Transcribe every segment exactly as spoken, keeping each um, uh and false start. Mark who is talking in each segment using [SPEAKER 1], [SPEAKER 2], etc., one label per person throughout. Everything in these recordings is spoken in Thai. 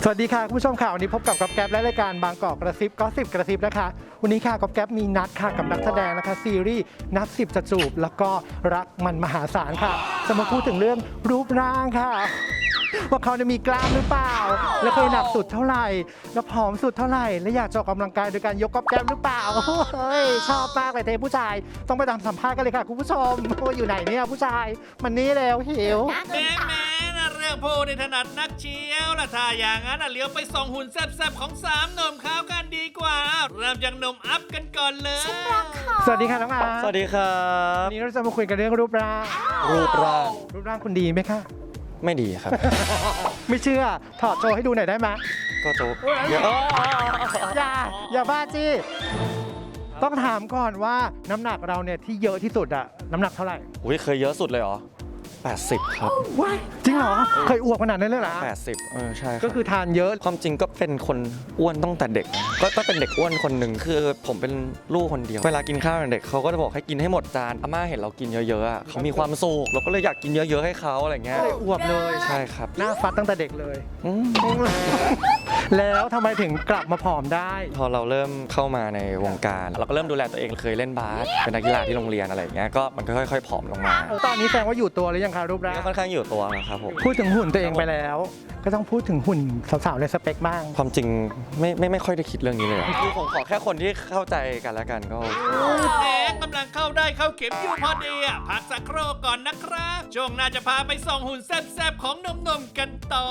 [SPEAKER 1] สวัสดีค่ะคุณผู้ชมค่ะวันนี้พบกับก๊อฟแก๊ปและรายการบางกอกกระซิบก็สิบกระซิบนะคะวันนี้ค่ะก๊อฟแก๊ปมีนัดค่ะกับนักแสดงนะคะซีรีส์นับสิบจะจูบแล้วก็รักมันมหาศาลค่ะจะมาพูดถึงเรื่องรูปร่างค่ะว่าเขาจะมีกล้ามหรือเปล่าแล้วเคยหนักสุดเท่าไหร่แล้วผอมสุดเท่าไหร่และอยากจะออกกำลังกายโดยการยกก๊อฟแก๊ปหรือเปล่าเฮ้ยชอบมากเลยเทผู้ชายต้องไปตามสัมภาษณ์กันเลยค่ะคุณผู้ชมว่าอยู่ไหนเนี่ยผู้ชายมันนี่แล้วหิว
[SPEAKER 2] แม่แม่นะเรื่องพูดในถนัดนักเชียวละถ้าอย่างนั้นน่ะเลี้ยวไปส่องหุ่นแซ่บๆของสามหนุ่มขาวกันดีกว่า เริ่มจากหนุ่มอัพกันก่อนเลย
[SPEAKER 1] สวัสดีค่ะน้องอาร์ต
[SPEAKER 3] สวัสดีครับ
[SPEAKER 1] วันนี้เราจะมาคุยกันเรื่องรูปร่าง
[SPEAKER 3] รูปร่าง
[SPEAKER 1] รูปร่างคุณดีไหมคะ
[SPEAKER 3] ไม่ดีครับ
[SPEAKER 1] ไม่เชื่อถอดโชว์ให้ดูหน่อยได้ไหม
[SPEAKER 3] ก็โจ๊กเดี๋ยว
[SPEAKER 1] อย่าอย่าบ้าจี้ต้องถามก่อนว่าน้ำหนักเราเนี่ยที่เยอะที่สุดอะน้ำหนักเท่าไหร่
[SPEAKER 3] อุ้ยเคยเยอะสุดเลยเหรอแปดสิบครับ
[SPEAKER 1] ว้ายจริงเหรอเคยอ้วกขนาดนั้นเลยเหรอ
[SPEAKER 3] แปดสิบเออใช่รับ
[SPEAKER 1] ก็คือทานเยอะ
[SPEAKER 3] ความจริงก็เป็นคนอ้วนตั้งแต่เด็กนะก็ต้องเป็นเด็กอ้วนคนหนึ่งคือผมเป็นลูกคนเดียวเวลากินข้าวกับเด็กเขาก็จะบอกให้กินให้หมดจานอาม่าเห็นเรากินเยอะๆอะเขามีความสุขเราก็เลยอยากกินเยอะๆให้เขาอะไรเงี้ย
[SPEAKER 1] ก็เลยอ้วกเลย
[SPEAKER 3] ใช่ครับ
[SPEAKER 1] หน้าฟัดตั้งแต่เด็กเลย
[SPEAKER 3] อืม
[SPEAKER 1] แล้วทำไมถึงกลับมาผอมได้
[SPEAKER 3] พอเราเริ่มเข้ามาในวงการเราก็เริ่มดูแลตัวเองเคยเล่นบาสเป็นนักกีฬาที่โรงเรียนอะไรอย่างเงี้ยก็มันก็ค่อยๆผอมลงมา
[SPEAKER 1] ตอนนี้แสดงว่าอยู่ตัวหรือยังคะรูปร่าง
[SPEAKER 3] ก็ค่อนข้างอยู่ตัวนะครับผม
[SPEAKER 1] พูดถึงหุ่นตัวเองไปแล้ว ก็ต้องพูดถึงหุ่นสาวๆในสเปคบ้าง
[SPEAKER 3] ความจริงไม่ไม่ไม่ค่อยได้คิดเรื่องนี้เลยอะคือผมขอแค่คนที่เข้าใจกันแล้วกันก็โอเค
[SPEAKER 2] แหมกำลังเข้าได้เข้าเข็มอยู่พอดีอ่ะพักสักครู่ก่อนนะครับช่วงหน้าจะพาไปส่องหุ่นแซ่บๆของหนุ่มๆกันต่อ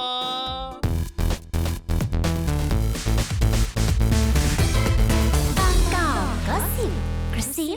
[SPEAKER 4] บางกอกก็สิบกระซิ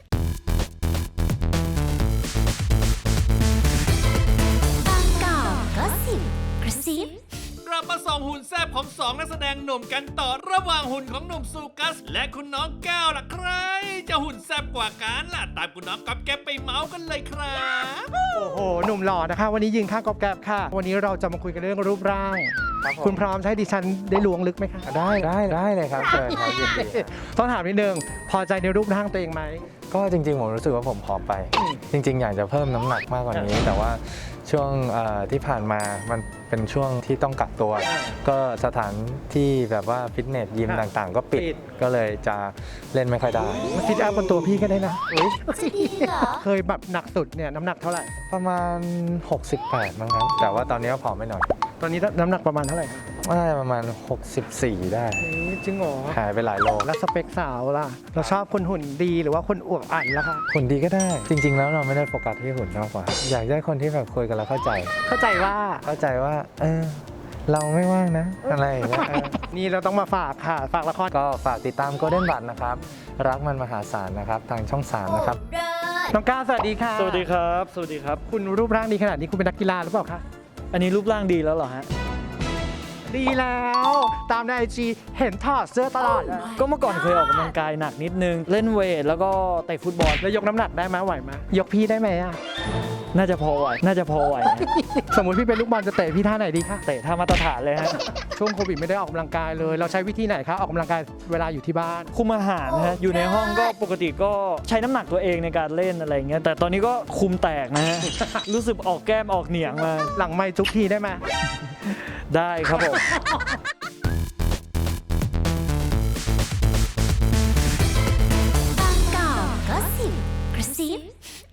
[SPEAKER 4] บางกอกก็สิบกระซิบ
[SPEAKER 2] กลับมาส่องหุ่นแซ่บของสองนักแสดงหนุ่มกันต่อระหว่างหุ่นของหนุ่มซูกัส และคุณน้องแก้วล่ะใคร จะหุ่นแซ่บกว่ากันล่ะตามคุณน้องก๊อฟแก๊ปไปเมาส์กันเลยครับ
[SPEAKER 1] โอ้โห หนุ่มหล่อนะคะ วันนี้ยืนข้างกอบแกบค่ะ วันนี้เราจะมาคุยกันเรื่องรูปร่าง คุณพร้อมใช้ดิฉันได้ลวงลึกไหมคะ
[SPEAKER 5] ได้ได้ได้เลยครับเชิญครับยินดีครับ
[SPEAKER 1] ต้องถามนิดนึง พอใจในรูปร่างตัวเองไหม
[SPEAKER 5] ก็จริงๆผมรู้สึกว่าผมผอมไป จริง ๆ อยากจะเพิ่มน้ำหนักมากกว่านี้ แต่ว่าช่วงเอ่อที่ผ่านมามันเป็นช่วงที่ต้องกักตัว ก็สถานที่แบบว่าฟิตเนสยิม
[SPEAKER 1] ครับ
[SPEAKER 5] ต่างๆ ก็ปิด
[SPEAKER 1] ปิด
[SPEAKER 5] ก็เลยจะเล่นไม่ค่อยได้
[SPEAKER 1] มาซิดอัพบนตัวพี่ก็ได้นะ
[SPEAKER 4] จะดีเหรอ
[SPEAKER 1] เคยแบบหนักสุดเนี่ยน้ำหนักเท่าไหร่
[SPEAKER 5] ประมาณ หกสิบแปดมั้งครับ แต่ว่าตอนนี้ก็ผอมไปหน่อย
[SPEAKER 1] ตอนนี้น้ำหนักประมาณเท่าไหร่คะ
[SPEAKER 5] น่าจะประมาณ หกสิบสี่ ได้
[SPEAKER 1] เฮ้ยจริงเหรอ
[SPEAKER 5] หายไปหลายโล
[SPEAKER 1] แล้วสเปคสาวล่ะ เราชอบคนหุ่นดีหรือว่าคนอวบอันล่ะคะ
[SPEAKER 5] หุ่นดีก็ได้ จริง ๆ แล้วเราไม่ได้โฟกัสที่หุ่นมากกว่า อยากได้คนที่แบบคุยกันแล้วเข้าใจ
[SPEAKER 1] เข้าใจว่า
[SPEAKER 5] เข้าใจว่า เออ เราไม่ว่างนะ อะไรอย่างเงี้ยเออ
[SPEAKER 1] นี่เราต้องมาฝากค่ะ ฝากละคร
[SPEAKER 5] ก็ฝากติดตาม Golden Bud นะครับ รักมันมหาศาลนะครับ ทางช่อง สาม นะครับ
[SPEAKER 1] น้องก้าวสวัสดีค่ะ
[SPEAKER 6] สวัสดีครับ สวัสดีครับ
[SPEAKER 1] คุณรูปร่างดีขนาดนี้คุณเป็นนักกีฬาหรือเปล่าคะ
[SPEAKER 6] อันนี้รูปร่างดีแล้วเหรอฮะ
[SPEAKER 1] ดีแล้ว ตามในไอจีเห็นถอดเสื้อตลอดอะ
[SPEAKER 6] ก็เมื่อก่อนเคยออกกำลังกายหนักนิดนึง เล่นเวทแล้วก็เตะฟุตบอล
[SPEAKER 1] แล้วยกน้ำหนักได้ไหมไหวไหมยกพี่ได้ไหมอะ
[SPEAKER 6] น่าจะพอไหว น่าจะพอไหวฮะ
[SPEAKER 1] สมมุติพี่เป็นลูกบอลจะเตะพี่ท่าไหนดีคะ
[SPEAKER 6] เตะท่ามาตรฐานเลยฮะ
[SPEAKER 1] ช่วงโควิดไม่ได้ออกกำลังกายเลย เราใช้วิธีไหนคะออกกำลังกายเวลาอยู่ที่บ้าน
[SPEAKER 6] คุมอาหารนะฮะ อยู่ในห้องก็ปกติก็ใช้น้ำหนักตัวเองในการเล่นอะไรอย่างเงี้ย แต่ตอนนี้ก็คุมแตกนะฮะ รู้สึกออกแก้มออกเหนียงมา
[SPEAKER 1] หลังไม่จุกทีได้ไหม
[SPEAKER 6] ได้ครับผม
[SPEAKER 4] บางกอกก็สิบกระซิบ